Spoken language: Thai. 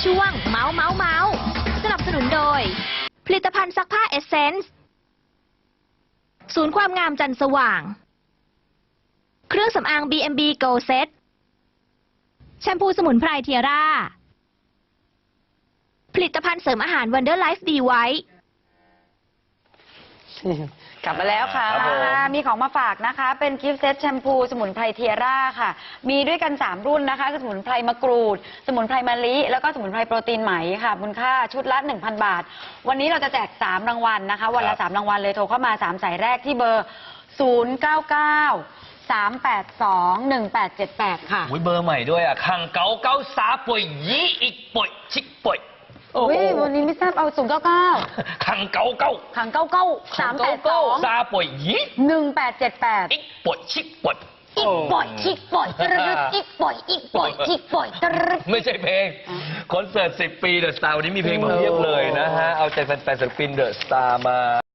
ช่วงเมาส์สนับสนุนโดยผลิตภัณฑ์ซักผ้าเอสเซนส์ศูนย์ความงามจันทร์สว่างเครื่องสำอาง B&B Go Set แชมพูสมุนไพรเทียร่าผลิตภัณฑ์เสริมอาหาร Wonder Life D White กลับมาแล้วค่ะ มีของมาฝากนะคะ เป็นกิฟต์เซตแชมพูสมุนไพรเทียร่าค่ะ มีด้วยกัน 3 รุ่นนะคะคือสมุนไพรมะกรูด สมุนไพรมะลิ แล้วก็สมุนไพรโปรตีนไหมค่ะ มูลค่าชุดละ 1,000 บาท วันนี้เราจะแจก 3 รางวัลนะคะ วันละ 3 รางวัลเลย โทรเข้ามา 3 สายแรกที่เบอร์ 099-382-1878 ค่ะเบอร์ใหม่ด้วยอ่ะคังเก๋าเก้าสาป่วยยี่อีกป่วยชิกป่วยวันนี้ไม่ทราบเอา099 คังเก๋าเก้าขัง99 382 ซาป่วยยี่ 1878 อีกป่วยชิกป่วยอีกป่อยชิกป่อยตรึดอีกป่อยชิกป่อยตรึดไม่ใช่เพลงคอนเสิร์ต10 ปีเดอะสตาร์วันนี้มีเพลงมาเพียบเลยนะฮะเอาใจแฟนๆศิลปินเดอะสตาร์มา